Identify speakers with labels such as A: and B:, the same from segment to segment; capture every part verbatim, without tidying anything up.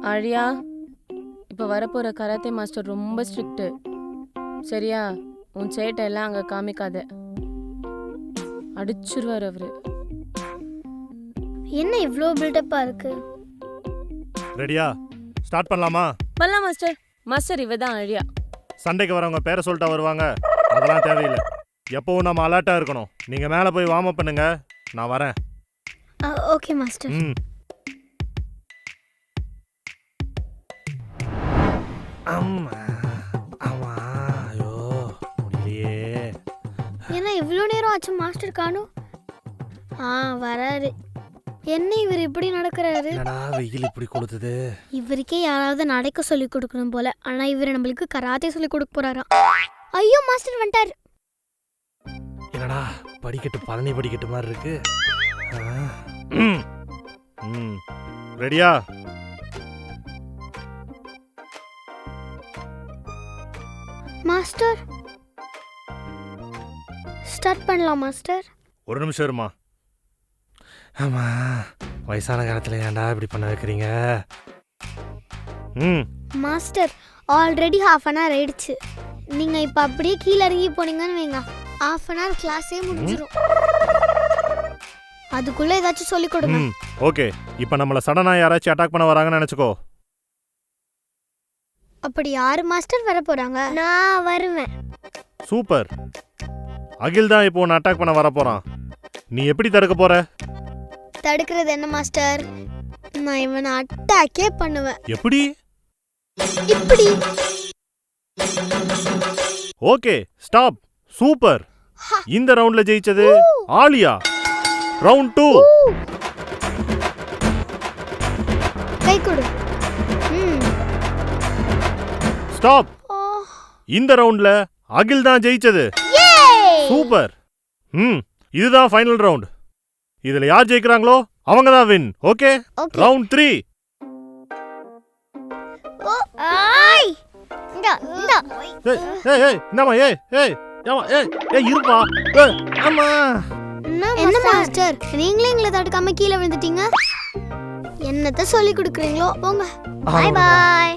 A: ஆழியா, இப்போ வரப்போகிற கராத்தே மாஸ்டர் ரொம்ப ஸ்ட்ரிக்ட்டு. சரியா? உன் சேட்டை எல்லாம் அங்கே காமிக்காத, அடிச்சிருவார் அவரு.
B: என்ன இவ்வளோ பில்டப்பாக இருக்கு?
C: ரெடியா? ஸ்டார்ட் பண்ணலாமா?
A: பண்ணலாம் மாஸ்டர். மாஸ்டர் இவ தான் ஆழியா.
C: சண்டைக்கு வரவங்க பேரை சொல்லிட்டா வருவாங்க, அதெல்லாம் தேவையில்லை. எப்பவும் நம்ம அலர்ட்டாக இருக்கணும். நீங்கள் மேலே போய் வார்ம் அப் பண்ணுங்க, நான் வரேன்.
B: Okay master.
C: ம் அம்மா அம்மா ஐயோ முடியலையே.
B: என்ன இவ்வளோ நேரம் ஆச்சு மாஸ்டர் காணும்? ஆ வராரு. என்ன இவர் இப்படி நடக்கிறாரு?
C: என்னடா வெயில் இப்படி கொளுத்துது.
B: இவருக்கே யாராவது நடக்க சொல்லி கொடுக்கணும் போல. ஆனா இவர் நம்மளுக்கு கராத்தே சொல்லி கொடுக்க போறாராம். ஐயோ மாஸ்டர் வந்துட்டாரு.
C: என்னடா படிக்கட்டு பழனி படிக்கட்டு மாதிரி இருக்கு. ம் ரெடியா?
B: மாஸ்டர் ஸ்டார்ட் பண்ணலாம் மாஸ்டர்.
C: ஒரு நிமிஷம் இருமா. ஆமா, வயசான காலத்துல ஏன்டா இப்படி பண்ண வைக்கிறீங்க? ம்
B: master already half an hour ஆயிடுச்சு. நீங்க இப்ப அப்படியே கீழே இறங்கி போனீங்கன்னு வைங்க, ஹாஃப் அன் ஹவர் கிளாஸே முடிஞ்சிடும். அதுக்குள்ள ஏதாச்சும் சொல்லி கொடுங்க.
C: ம் ஓகே. இப்போ நம்மள சடனா யாராச்சும் அட்டாக் பண்ண வராங்கன்னு நினைச்சுக்கோ.
B: அப்படி யாரு மாஸ்டர் வர போறாங்க? நான் வருவேன்.
C: சூப்பர். அகில் தான் இப்போ உன்னை அட்டாக் பண்ண வர போறான். நீ எப்படி தடுக்க போற?
B: தடுக்கிறது என்ன மாஸ்டர்? நான் இவனை அட்டாக்கே பண்ணுவேன்.
C: எப்படி?
B: இப்படி.
C: Okay stop. சூப்பர். இந்த ரவுண்ட்ல ஜெயிச்சது ஆலியா. Round two.
B: கை கொடு.
C: ஸ்டாப். இந்த ரவுண்ட்ல அகில் தான் ஜெயிச்சது. சூப்பர். ம் இதுதான் ஃபைனல் ரவுண்ட். இதுல யார் ஜெயிக்கிறாங்களோ அவங்க தான் வின். Okay round three.
B: ஐ இந்த இந்த
C: ஏய் ஏய் என்னம்மா? ஏய் ஏய் ஏமா ஏய் ஏய் இருப்பா. ஏய் அம்மா.
B: என்ன மாஸ்டர் நீங்களே எங்களை தடுக்காம கீழே விழுந்துட்டீங்க? என்னத்த சொல்லி கொடுக்குறீங்களோ போங்க. Bye bye.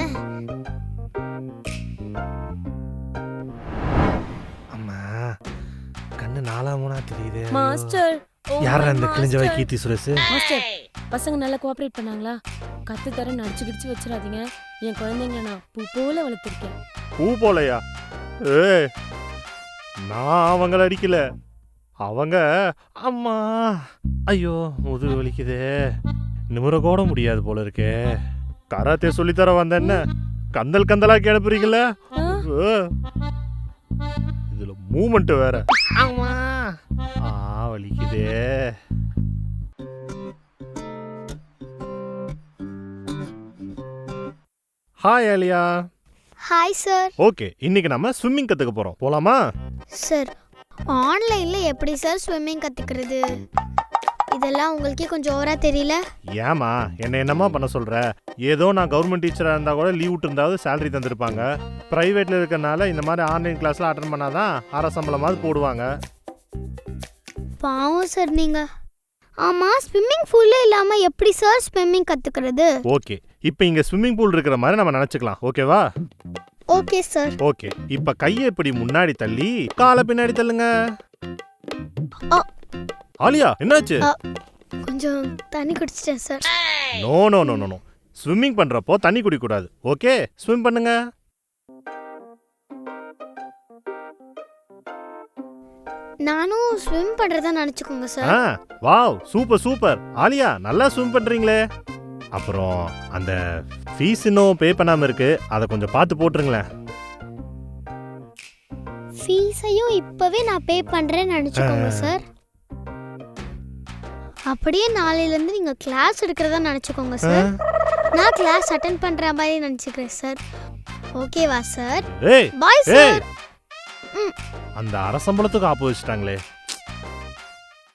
C: அம்மா கண்ணு நாலா மூணா தெரியுது.
A: மாஸ்டர்
C: யாரா இந்த கிழிஞ்சவை கீர்த்தி சுரேஷ்?
A: மாஸ்டர் பசங்க நல்லா கோஆபரேட் பண்ணாங்களா? கத்து தர நடிச்சு கிடிச்சு வச்சிடாதீங்க. என் குழந்தைங்கள நான் பூ போல வளர்த்துருக்கேன்.
C: பூ போலையா? ஏய் நான் அவங்கள அடிக்கல. அவங்க அம்மா ஐயோ முதுகு வலிக்குதே. நிமிர கூட முடியாது போல இருக்கே. கராத்தே சொல்லித்தர வந்த என்ன கந்தல் கந்தலா கிளப்புறீங்கள? இதுல மூமெண்ட் வேற. அம்மா ஆ வலிக்குதே. Hi Alia.
B: Hi sir.
C: Okay இன்னைக்கு நம்ம ஸ்விம்மிங் கத்துக்க போறோம். போலாமா?
B: சார் ஆன்லைன்ல எப்படி சார் ஸ்விம்மிங் கத்துக்கிறது? இதெல்லாம் உங்களுக்கே கொஞ்சம் ஓவரா தெரியல?
C: ஏமா என்ன என்னமா பண்ண சொல்ற? ஏதோ நான் கவர்மெண்ட் டீச்சரா இருந்தா கூட லீவ் விட்டு இருந்தாவது சேலரி தந்திருப்பாங்க. பிரைவேட்ல இருக்கறனால இந்த மாதிரி ஆன்லைன் கிளாஸ்ல அட்டெண்ட் பண்ணாதான் அரை சம்பளமாவது போடுவாங்க.
B: பாவம் சார் நீங்க. ஆமா ஸ்விம்மிங் பூல்ல இல்லாம எப்படி சார் ஸ்விம்மிங் கத்துக்கிறது?
C: ஓகே இப்போ இங்க ஸ்விம்மிங் பூல் இருக்கிற மாதிரி நம்ம நினைச்சுக்கலாம். ஓகேவா?
B: Okay sir.
C: ஓகே இப்ப கையை இப்படி முன்னாடி தள்ளி காலை பின்னாடி தள்ளுங்க. ஆலியா என்னாச்சு?
B: கொஞ்சம் தண்ணி குடிச்சிட்டேன் sir.
C: No no no no. Swimming பண்றப்போ தண்ணி குடிக்க கூடாது. ஓகே ஸ்விம் பண்ணுங்க.
B: நானும் ஸ்விம் பண்றதா நினைச்சுக்கோங்க சார்.
C: ஆ வாவ் சூப்பர் சூப்பர். ஆலியா நல்லா ஸ்விம் பண்றீங்களே. அப்புறம் அந்த ஃபீஸ் இன்னும் பே பண்ணாம இருக்கு, அதை கொஞ்சம் பார்த்து போட்டுருங்களேன்.
B: ஃபீஸையும் இப்பவே நான் பே பண்றேன்னு நினைச்சுக்கோங்க சார். அப்படியே நாளையில இருந்து நீங்க கிளாஸ் எடுக்கிறதா நினைச்சுக்கோங்க சார். நான் கிளாஸ் அட்டெண்ட் பண்ற மாதிரி நினைச்சுக்கிறேன் சார். ஓகேவா சார்?
C: ஏய்
B: பாய் சார்.
C: அந்த அரசம்பளத்துக்கு ஆப்பு வச்சுட்டாங்களே.